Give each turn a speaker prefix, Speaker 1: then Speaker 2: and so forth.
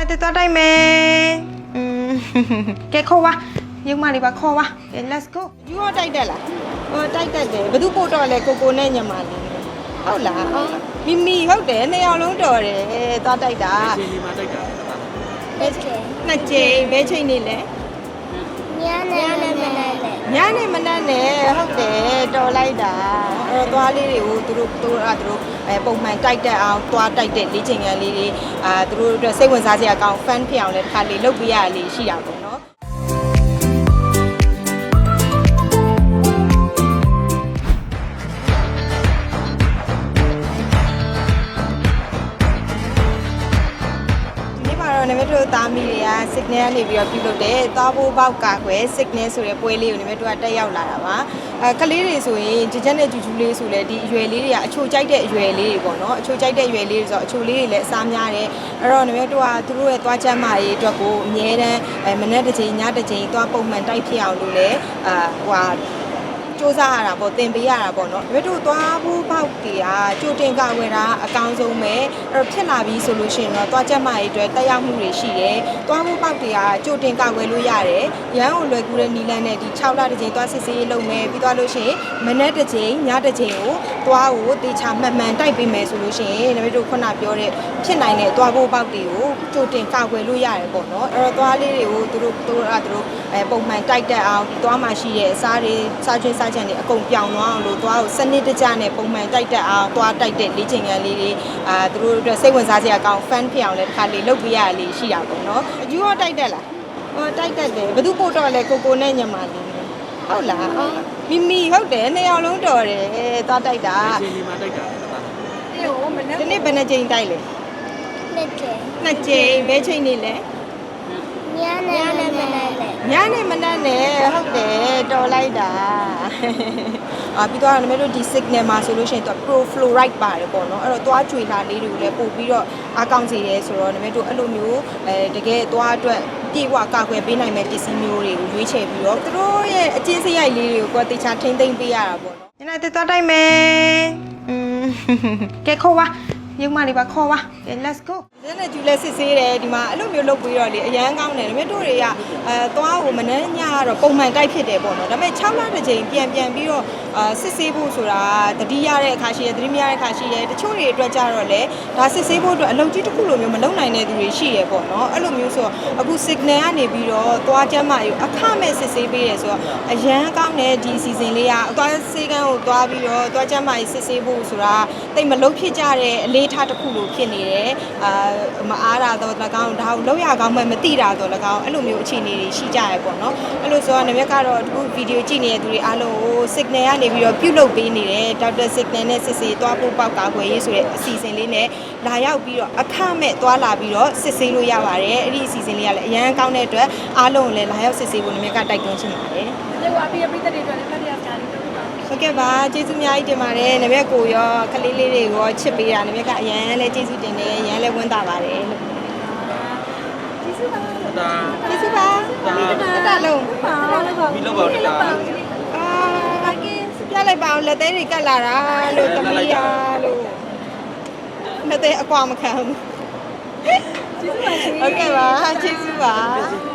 Speaker 1: နေ့တက်သွားတိုင်းမယ်ကဲခေါ်ပါရုံမလေးပါခေါ်ပါကဲ let's go ယူတော့တိုက်တက်လားဟိုတိုက်တက်တယ်ဘသူပို့တော့လဲကိုနဲ့ညမလေးဟုတ်လားမီမီဟုတ်တယ်နှစ်ယောက်လုံးတော်တယ်သွားတိုက်တာ
Speaker 2: ချိန်ဒီမှာတိုက်တာ
Speaker 1: နှစ်ချိန်ဘဲချိန်နေလဲ
Speaker 3: ညနေမနက်
Speaker 1: နဲ့ဟုတ်တယ်တော်လိုက်တာအဲ့တော့သွားလေးတွေကိုသူတို့ပုံမှန်တိုက်တက်အောင်သွားတိုက်တဲ့လေ့ကျင့်ခန်းလေးတွေသူတို့အတွက်စိတ်ဝင်စားစရာကောင်း fan ဖြစ်အောင်လည်းတစ်ခါလေးလုပ်ပေးရလေးရှိတာပေါ့နော်နမတို့သားမီတွေက signal ကနေပြီးတော့ပြုလုပ်တယ်သွားဖို့ပေါက်ကာခွဲ signal ဆိုတဲ့ပွဲလေးကိုနမတို့ကတက်ရောက်လာတာပါကလေးတွေဆိုရင်ကြကြနဲ့ကျူးလေးဆိုလဲဒီအရွယ်လေးတွေကအချိုကြိုက်တဲ့အရွယ်လေးတွေပေါ့နော်အချိုကြိုက်တဲ့အရွယ်လေးတွေဆိုတော့အချိုလေးတွေလည်းအစားများတယ်အဲ့တော့နမတို့ကသူတို့ရဲ့သွားချက်မာရေးအတွက်ကိုအများတန်းမနေ့တစ်ချိန်ညတစ်ချိန်သွားပုံမှန်တိုက်ဖြစ်အောင်လို့လဲစူးစမ်းရတာပေါ့သင်ပေးရတာပေါ့နော်တို့သွားဖို့ပေါက်တွေကကြိုတင်ကဝယ်တာအကောင်းဆုံးပဲအဲ့တော့ဖြစ်လာပြီဆိုလို့ရှိရင်တော့သွားချက်မရေးအတွက်တက်ရောက်မှုတွေရှိတယ်သွားဖို့ပေါက်တွေကကြိုတင်ကဝယ်လို့ရတယ်ရန်ကိုလွယ်ကူတဲ့နီလန်းနဲ့ဒီ6လတစ်ချိန်သွားစစ်ဆေးရေးလုပ်မယ်ပြီးသွားလို့ရှိရင်မနေ့တစ်ချိန်ညတစ်ချိန်ကိုသွားကိုတေချာမှန်မှန်တိုက်ပေးမယ်ဆိုလို့ရှိရင်တို့ခုနပြောတဲ့ဖြစ်နိုင်တဲ့သွားဖို့ပေါက်တွေကိုကြိုတင်ကဝယ်လို့ရတယ်ပေါ့နော်အဲ့တော့သွားလေးတွေကိုသူတို့ပုံမှန်တိုက်တက်အောင်ဒီသွားမှရှိတဲ့အစားတွေစားချင်းစားချက်တွေအကုန်ပြောင်းသွားအောင်လို့သွားကိုစနစ်တကျနဲ့ပုံမှန်တိုက်တက်အောင်သွားတိုက်တဲ့လေ့ကျင့်ခန်းလေးတွေသူတို့အတွက်စိတ်ဝင်စားစရာကောင်း fan ဖြစ်အောင်လည်းတစ်ခါလေးလုပ်ပေးရလေးရှိတာပေါ့နော်အယူတော့တိုက်တက်လားဟိုတိုက်တက်တယ်ဘသူပို့တော့လဲကိုနဲ့ညမလေးဟုတ်လားမီမီဟုတ်တယ်နှစ်ယောက်လုံးတော်တယ်သွားတိုက်တာ
Speaker 2: ချိန်ဒီမှာတိုက်တာ
Speaker 1: ဒီနေ့ဘယ်နှချိန်တိုက်လဲနှစ်ချိန်ဘယ်ချိန်နေလဲ
Speaker 3: ညနေမနက်
Speaker 1: နဲ့ဟုတ်တယ်တော်လိုက်တာပြီးတော့နမတို့ဒီ signal မှာဆိုလို့ရှိရင်သူ pro fluoride ပါတယ်ပေါ့နော်အဲ့တော့သွားကြွေလာလေးတွေကိုလည်းပို့ပြီးတော့အကောင့်စီရဲဆိုတော့နမတို့အဲ့လိုမျိုးတကယ်သွားအတွက်ပြေဝကာကွယ်ပေးနိုင်မဲ့ပစ္စည်းမျိုးတွေကိုရွေးချယ်ပြီးတော့သူတို့ရဲ့အချင်းစရိုက်လေးတွေကိုတေချာထိမ့်သိမ့်ပေးရတာပေါ့နော်ညနေတက်သွားတိုင်းမယ်ကဲခေါ်ပါရုံမလေးပါခေါ်ပါ let's go ဒီနေ့ကျူလဲစစ်ဆေးတယ်ဒီမှာအဲ့လိုမျိုးလုပ်ပြီးတော့လေအရန်ကောင်းတယ်ဒါပေမဲ့တို့တွေကသွားကိုမနှမ်းညကတော့ပုံမှန်တိုက်ဖြစ်တယ်ပေါ့နော်ဒါပေမဲ့6လတစ်ချိန်ပြန်ပြီးတော့စစ်ဆေးဖို့ဆိုတာတတိရတဲ့အခါရှိတယ်တတိမရတဲ့အခါရှိတယ်တချို့တွေအတွက်ကြတော့လေဒါစစ်ဆေးဖို့အတွက်အလုပ်ကြီးတစ်ခုလိုမျိုးမလုပ်နိုင်တဲ့သူတွေရှိတယ်ပေါ့နော်အဲ့လိုမျိုးဆိုတော့အခု signal ကနေပြီးတော့သွားချမ်းမယူအခမဲ့စစ်ဆေးပေးတယ်ဆိုတော့အရန်ကောင်းတယ်ဒီ season လေးကသွားစေးကန်းကိုသွားပြီးတော့သွားချမ်းမယူစစ်ဆေးဖို့ဆိုတာတိတ်မလုပ်ဖြစ်ကြတဲ့အလေးထားတစ်ခုလိုဖြစ်နေတယ်မအားတာတော့၎င်းဒါကိုလောက်ရကောင်းမှမသိတာတော့၎င်းအဲ့လိုမျိုးအခြေအနေတွေရှိကြရပေါ့နော်အဲ့လိုဆိုတော့နမက်ကတော့ဒီဗီဒီယိုကြည့်နေတဲ့သူတွေအားလုံးကို signal ကနေပြီးတော့ပြုလုပ်ပေးနေတယ်ဒေါက်တာ signal နဲ့စစ်ဆေးသွားဖို့ပေါက်ကာကွယ်ရေးဆိုတဲ့အစီအစဉ်လေးနဲ့လာရောက်ပြီးတော့အခမဲ့သွားလာပြီးတော့စစ်ဆေးလို့ရပါတယ်အဲ့ဒီအစီအစဉ်လေးကလည်းအရန်ကောင်းတဲ့အတွက်အားလုံးကိုလည်းလာရောက်စစ်ဆေးဖို့နမက်ကတိုက်တွန်းချင်ပါတယ်
Speaker 3: ဒီကအပြည့်ပြည့်တဲ့တွေအတွက်လည်းဖတ်ရစရာလေးတွေပါ
Speaker 1: ဟုတ်ကဲ့ပါကျေးဇူးအများကြီးတင်ပါတယ်နမက်ကိုရောကလေးလေးတွေကိုရောချစ်ပေးတာနမက်ကအရန်လည်းကျေးဇူးတင်တယ်အရန်လည်းဝမ်းသာပါတယ်လို့
Speaker 2: ကျေးဇူးပါ
Speaker 1: လုံး
Speaker 2: မီလောက်ပါတတာ
Speaker 1: ပြလိုက်ပါအောင်လက်သေးတွေကတ်လာတာလို့သမီးရလို့လက်သေးအကွာမခံဘူးဟုတ်ကဲ့ပါကျေးဇူးပါ